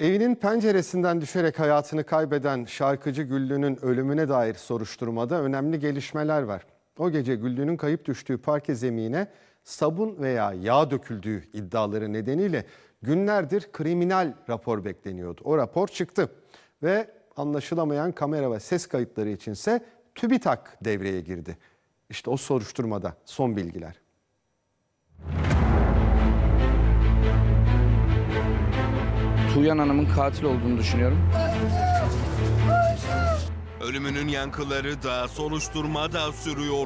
Evinin penceresinden düşerek hayatını kaybeden şarkıcı Güllü'nün ölümüne dair soruşturmada önemli gelişmeler var. O gece Güllü'nün kayıp düştüğü parke zemine sabun veya yağ döküldüğü iddiaları nedeniyle günlerdir kriminal rapor bekleniyordu. O rapor çıktı ve anlaşılamayan kamera ve ses kayıtları içinse TÜBİTAK devreye girdi. İşte o soruşturmada son bilgiler. Tuğyan Hanım'ın katil olduğunu düşünüyorum. Ölümünün yankıları da soruşturmada sürüyor.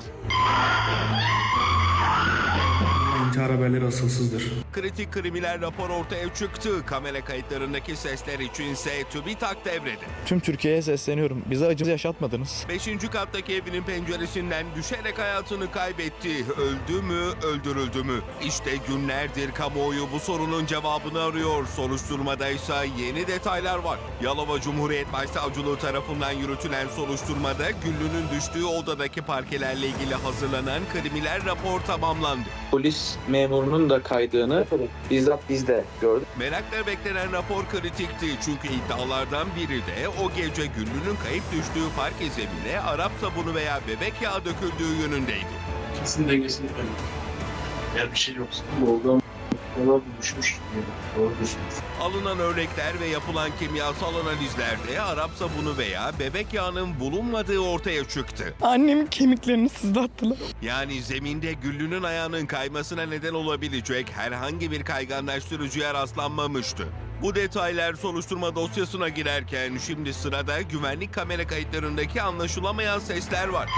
İntihar haberleri asılsızdır. Kritik kriminal rapor ortaya çıktı. Kamera kayıtlarındaki sesler içinse TÜBİTAK devrede. Tüm Türkiye'ye sesleniyorum. Bize acı yaşatmadınız. 5. kattaki evinin penceresinden düşerek hayatını kaybetti. Öldü mü, öldürüldü mü? İşte günlerdir kamuoyu bu sorunun cevabını arıyor. Soruşturmada ise yeni detaylar var. Yalova Cumhuriyet Başsavcılığı tarafından yürütülen soruşturmada Güllü'nün düştüğü odadaki parkelerle ilgili hazırlanan kriminal rapor tamamlandı. Polis memurunun da kaydığını bizzat biz de gördük. Merakla beklenen rapor kritikti çünkü iddialardan biri de o gece Güllü'nün kayıp düştüğü parke zemine Arap sabunu veya bebek yağı döküldüğü yönündeydi. Kesin dengesini koyuyor. Eğer bir şey yoksa oradan düşmüş. Doğru düşmüş. Alınan örnekler ve yapılan kimyasal analizlerde Arap sabunu veya bebek yağının bulunmadığı ortaya çıktı. Annemin kemiklerini sızlattılar. Yani zeminde Güllü'nün ayağının kaymasına neden olabilecek herhangi bir kayganlaştırıcıya rastlanmamıştı. Bu detaylar soruşturma dosyasına girerken şimdi sırada güvenlik kamera kayıtlarındaki anlaşılamayan sesler var.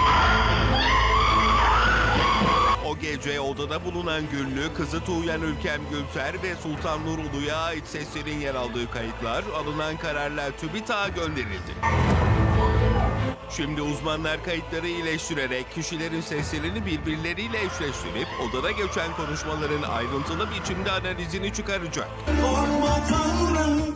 O gece odada bulunan Güllü, kızı Tuğyan Ülkem Gülser ve Sultan Nur Ulu'ya ait seslerin yer aldığı kayıtlar alınan kararla TÜBİTAK'a gönderildi. Şimdi uzmanlar kayıtları iyileştirerek kişilerin seslerini birbirleriyle eşleştirip odada geçen konuşmaların ayrıntılı biçimde analizini çıkaracak.